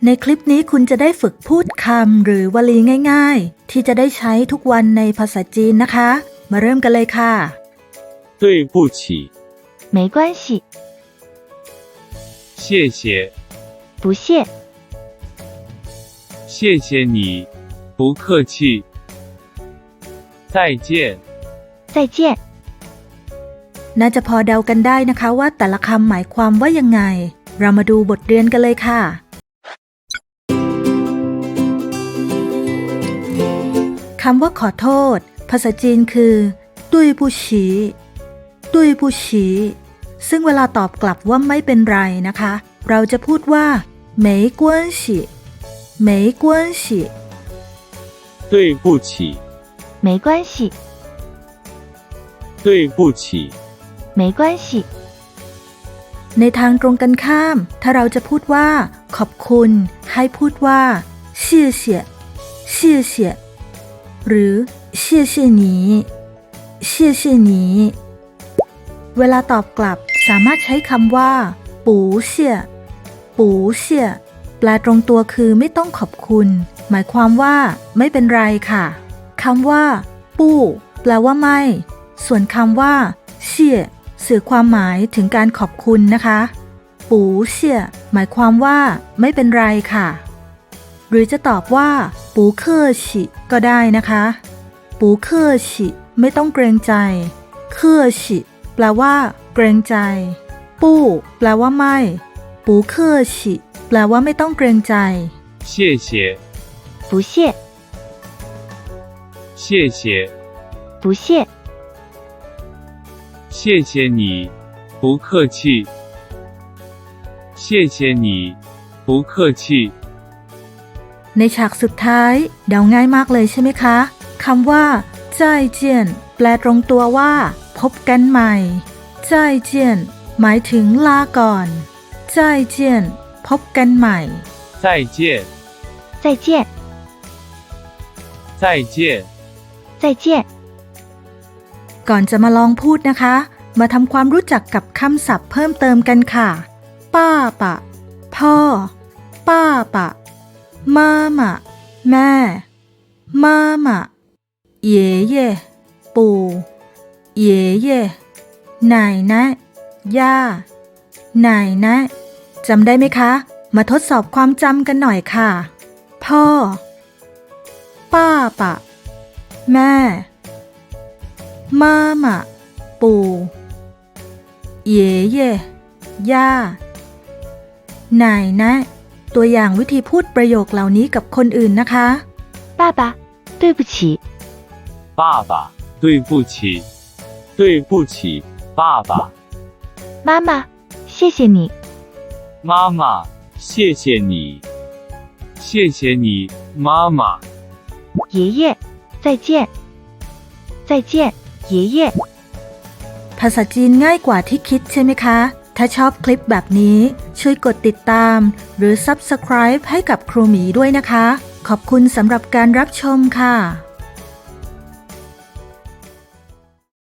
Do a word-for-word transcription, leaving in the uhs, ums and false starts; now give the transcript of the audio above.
ในคลิปนี้คุณจะได้ฝึกพูดคำหรือวลีง่ายๆที่จะได้ใช้ทุกวันในภาษาจีนนะคะมาเริ่มกันเลยค่ะ对不起没关系谢谢不谢谢谢你不客气再见再见น่าจะพอเดากันได้นะคะว่าแต่ละคำหมายความว่ายังไงเรามาดูบทเรียนกันเลยค่ะคำว่าขอโทษภาษาจีนคือตุ้ยผู้ฉีตุ้ยผู้ฉีซึ่งเวลาตอบกลับว่าไม่เป็นไรนะคะเราจะพูดว่า没关系没关系对不起没关系对不起没关系ในทางตรงกันข้ามถ้าเราจะพูดว่าขอบคุณให้พูดว่า谢谢谢谢หรือ谢谢你谢谢你เวลาตอบกลับสามารถใช้คำว่าปูเสี่ยปูเสี่ยแปลตรงตัวคือไม่ต้องขอบคุณหมายความว่าไม่เป็นไรค่ะคำว่าปู้แปลว่าไม่ส่วนคำว่าเสี่ยสื่อความหมายถึงการขอบคุณนะคะปูเสี่ยหมายความว่าไม่เป็นไรค่ะหรือจะตอบว่าปูเคอชิก็ได้นะคะปูเคอชิไม่ต้องเกรงใจเคอชิแปลว่าเกรงใจปู้แปลว่าไม่ปูเคอชิแปลว่าไม่ต้องเกรงใจ谢谢不谢谢谢不谢谢谢你不客气谢谢你不客气ในฉากสุดท้ายเดาง่ายมากเลยใช่ไหมคะคำว่าจ้ายเจียนแปลตรงตัวว่าพบกันใหม่จ้ายเจียนหมายถึงลาก่อนจ้ายเจียนพบกันใหม่再见再见再见再见ก่อนจะมาลองพูดนะคะมาทำความรู้จักกับคำศัพท์เพิ่มเติมกันค่ะป้าปะพ่อป้าปะมาม่าแม่มาม่าเย่เย่ปู่เย่เย่นายนะย่านายนะจำได้ไหมคะมาทดสอบความจำกันหน่อยค่ะพ่อป้าปะแม่มาม่าปู่เย่เย่ย่านายนะตัวอย่างวิธีพูดประโยคเหล่านี้กับคนอื่นนะคะ爸爸对不起爸爸对不起对不起爸爸妈妈谢谢你妈妈谢谢你谢谢你妈妈爷爷再见再见爷爷ภาษาจีนง่ายกว่าที่คิดใช่ไหมคะถ้าชอบคลิปแบบนี้ช่วยกดติดตามหรือ ซับสไครบ์ ให้กับครูหมีด้วยนะคะขอบคุณสำหรับการรับชมค่ะ